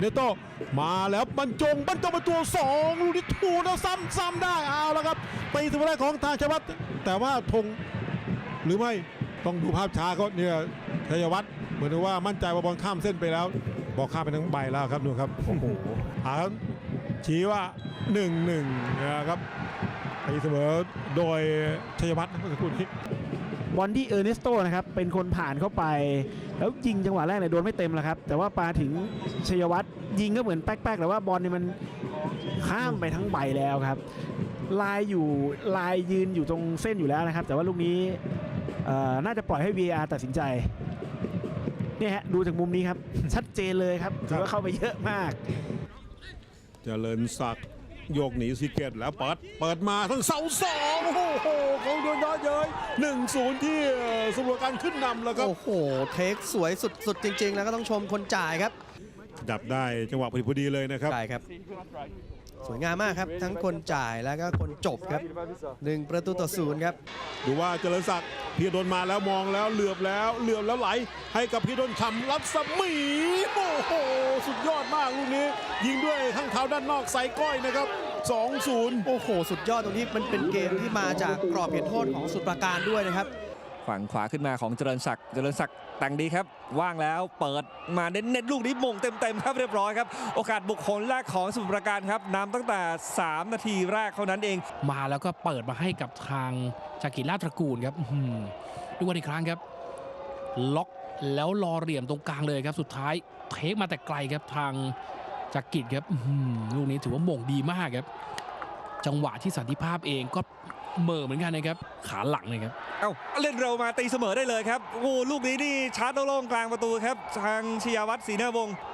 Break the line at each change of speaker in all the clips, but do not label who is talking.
เนโตมาแล้วบรรจงประตู2ลูกนี้ถูกแล้วซ้ำได้เอาแล้วครับตีเสมอได้ของทางชัยวัฒน์แต่ว่าธงหรือไม่ต้องดูภาพช้าเขาเนี่ยชัยวัฒน์เหมือนว่ามั่นใจว่าบอลข้ามเส้นไปแล้วบอกข้ามไปทั้งใบแล้วครับดูครับโอ้โหชี้ว่า 1-1 นะครับตีเสมอโดยชัยวัฒน์เมื่อสักครู่นี้
บอลที่เออร์เนสโตนะครับเป็นคนผ่านเข้าไปแล้วยิงจังหวะแรกเนี่ยโดนไม่เต็มแล้วครับแต่ว่าปาถึงชัยวัฒน์ยิงก็เหมือนแป๊กๆแต่ว่าบอลเนี่ยมันข้ามไปทั้งใบแล้วครับลายยืนอยู่ตรงเส้นอยู่แล้วนะครับแต่ว่าลูกนี้น่าจะปล่อยให้ VAR ตัดสินใจเนี่ยฮะดูจากมุมนี้ครับชัดเจนเลยครับถือว่าเข้าไปเยอะมาก
เจริญศักดิ์โยกหนีซีเกตแล้วเปิดมาทั้งเสาสองโอ้โหเขาโดนย้อนเย้ย 1-0 ที่สมุทรปราการขึ้นนำแล้วครับ
โอ้โหเทคสวยสุดจริงๆแล้วก็ต้องชมคนจ่ายครับ
ดับได้จังหวะพอดีเลยนะครับ
ใช่ครับสวยงามมากครับทั้งคนจ่ายแล้วก็คนจบครับ1-0ครับ
ดูว่าเจริญศักดิ์พีระดลมาแล้วมองแล้วเหลือบแล้วไหลให้กับพีระดลฉ่ำรัศมีโอ้โหสุดยอดมากลูกนี้ยิงด้วยข้างเท้าด้านนอกใส่ก้อยนะครับ 2-0
โอ้โหสุดยอดตรงนี้มันเป็นเกมที่มาจากกรอบเขตโทษของสมุทรปราการด้วยนะครับ
ฝั่งขวาขึ้นมาของเจริญศักดิ์แต่งดีครับว่างแล้วเปิดมาเน้นลูกนี้มงเต็มครับเรียบร้อยครับโอกาสบุคคลแรกของสมุทรปราการครับนำตั้งแต่3 นาทีแรกเท่านั้นเอง
มาแล้วก็เปิดมาให้กับทางจากกิจราชตระกูลครับดูกันอีกครั้งครับล็อกแล้วรอเหลี่ยมตรงกลางเลยครับสุดท้ายเทคมาแต่ไกลครับทางจากกิจครับลูกนี้ถือว่าหม่งดีมากครับจังหวะที่สันติภาพเองก็เหม่อเหมือนกันนะครับขาหลังเลยครับ
เล่นเร็วมาตีเสมอได้เลยครับโอ้ลูกนี้นี่ชาร์จโล่งกลางประตูครับทางชยวัฒน์ศรีนาวงศ์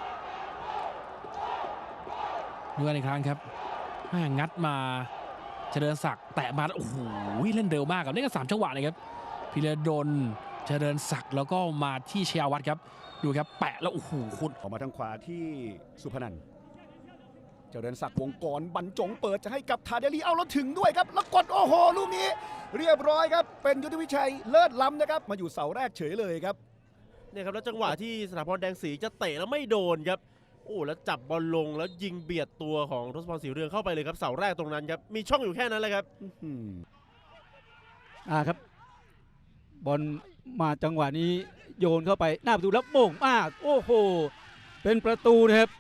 ดูกันอีกครั้งครับงัดมาเจริญศักดิ์แตะมาโอ้โหเล่นเร็วมากครับนี่ก็3 จังหวะเลยครับพีระดลเจริญศักดิ์แล้วก็มาที่ชยวัฒน์ครับดูครับแปะแล้วโอ้โหคุณ
ออกมาทางขวาที่สุพนันท์เจริญศักดิ์วงกรบรรจงเปิดจะให้กับทาเดลีเอาแล้วถึงด้วยครับแล้วกดโอ้โหลูกนี้เรียบร้อยครับเป็นยุทธวิชัยเลิศล้ำนะครับมาอยู่เสาแรกเฉยเลยครับ
เนี่ยครับแล้วจังหวะที่สถาพรแดงศรีจะเตะแล้วไม่โดนครับโอ้แล้วจับบอลลงแล้วยิงเบียดตัวของทศพรศรีเรืองเข้าไปเลยครับเสาแรกตรงนั้นครับมีช่องอยู่แค่นั้นเลยครับ
ครับบอลมาจังหวะนี้โยนเข้าไปหน้าประตูแล้วโป่งมากโอ้โหเป็นประตูนะครับ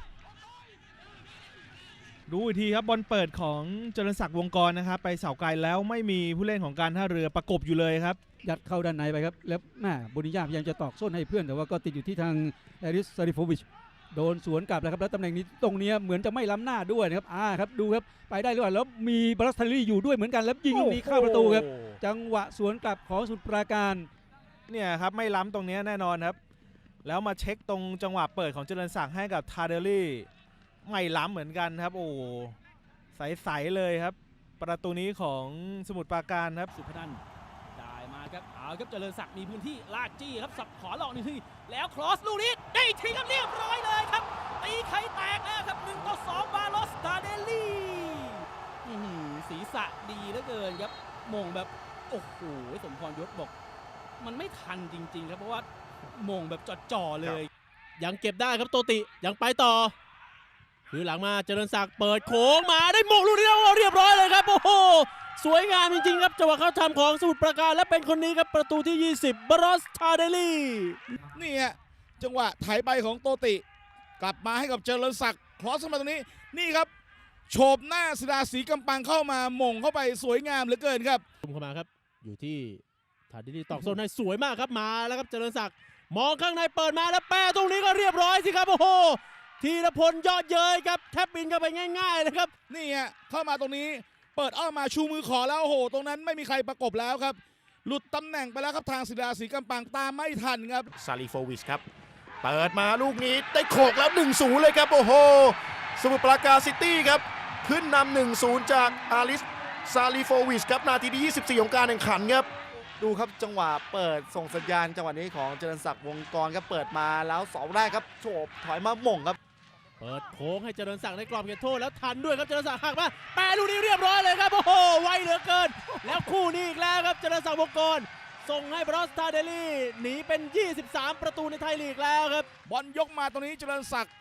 ดูอีกทีครับบอลเปิดของเจริญศักดิ์วงกรนะครับไปเสาไกลแล้วไม่มีผู้เล่นของการท่าเรือประกบอยู่เลยครับ
ยัดเข้าด้านในไปครับแล้วบุนิยาพยายามจะตอกส้นให้เพื่อนแต่ว่าก็ติดอยู่ที่ทางแอริสซาริโฟวิชโดนสวนกลับแล้วครับแล้วตำแหน่งนี้ตรงนี้เหมือนจะไม่ล้ำหน้าด้วยนะครับครับดูครับไปได้หรือเปล่าแล้วมีบรัสทารี่อยู่ด้วยเหมือนกันแล้วยิงลูกนี้เข้าประตูครับจังหวะสวนกลับของสมุทรปราการ
เนี่ยครับไม่ล้ำตรงนี้แน่นอนครับแล้วมาเช็คตรงจังหวะเปิดของเจริญศักดิ์ให้กับทาเดลี่ไม่ล้ำเหมือนกันครับโอ้ใสๆเลยครับประตูนี้ของสมุทรปราการครับ
สุพนันท์ได้มาครับเอาครับเจริญศักดิ์มีพื้นที่ลากจี้ครับสับขอหลอกนี่ที่แล้วครอสลูกนี้ได้ทีครับเรียบร้อยเลยครับตีไข่แตกแล้วครับ1-2บาโลสตาเดลลี่ศีรษะดีเหลือเกินครับมงแบบโอ้โหสมพรยศบอกมันไม่ทันจริงๆครับเพราะว่ามงแบบจ่อๆเลย
ยังเก็บได้ครับโตติยังไปต่อคือหลังมาเจริญศักดิ์เปิดโค้งมาได้มงลูกนี้เรียบร้อยเลยครับโอ้โหสวยงามจริงๆครับจังหวะเข้าทำของสมุทรปราการและเป็นคนนี้ครับประตูที่20บรอสทาเดลี่
นี่ฮะจังหวะไถไปของโตติกลับมาให้กับเจริญศักดิ์ครอสมาตรงนี้นี่ครับโฉบหน้าศิลาศรีกำปังเข้ามาหม่งเข้าไปสวยงามเหลือเกินครับ
เข้ามาครับอยู่ที่ทาเดลี่ตอกโซนให้สวยมากครับมาแล้วครับเจริญศักดิ์มองข้างในเปิดมาแล้วแปะตรงนี้ก็เรียบร้อยสิครับโอ้โหธีรพลยอดเย้ยครับแทบบินเข้าไปง่ายๆเลยครับ
นี่ฮะเข้ามาตรงนี้เปิดอ้อมมาชูมือขอแล้วโอ้โหตรงนั้นไม่มีใครประกบแล้วครับหลุดตำแหน่งไปแล้วครับทางศิลาศรีกำปังตามไม่ทันครับ
ซาลิโฟวิชครับเปิดมาลูกนี้ได้โขกแล้ว 1-0 เลยครับโอ้โหสมุทรปราการซิตี้ครับขึ้นนำ 1-0 จากอาริสซาลิโฟวิชครับนาทีที่24ของการแข่งขันครับ
ดูครับจังหวะเปิดส่งสัญญาณจังหวะนี้ของเจริญศักดิ์วงกรครับเปิดมาแล้วเสาแรกครับโฉบถอยมาหม่งครับ
เปิดโค้งให้เจริญศักดิ์ในกรอบเขตโทษแล้วทันด้วยครับเจริญศักดิ์หักมาแปะลูกนี้เรียบร้อยเลยครับโอ้โหไวเหลือเกินแล้วคู่นี้อีกแล้วครับเจริญศักดิ์วงกรส่งให้บรอสตาเดลี่หนีเป็น23ประตูในไทยลีกแล้วครับ
บอลยกมาตรงนี้เจริญศักดิ์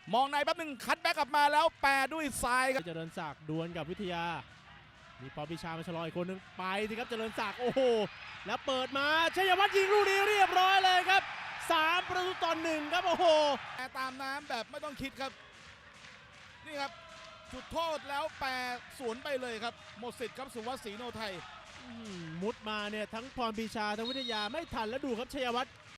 มองในแป๊บหนึ่งคัดแบ็กกลับมาแล้วแปรด้วยซ้ายครับ
เจริญศักดิ์ดวลกับวิทยา มีปอปิชามาชะลออีกคนนึงไปสิครับเจริญศักดิ์โอ้โหแล้วเปิดมาชัยวัฒน์ยิงลูกนี้เรียบร้อยเลยครับ3-1ครับโอ้โห
แปรตามน้ำแบบไม่ต้องคิดครับนี่ครับจุดโทษแล้วแปรสวนไปเลยครับหมดสิทธิ์ครับสุวัสดิ์ศรีโนไทย
มุดมาเนี่ยทั้งพรปีชาทั้งวิทยาไม่ทันแล้วดูครับชัยวัฒน์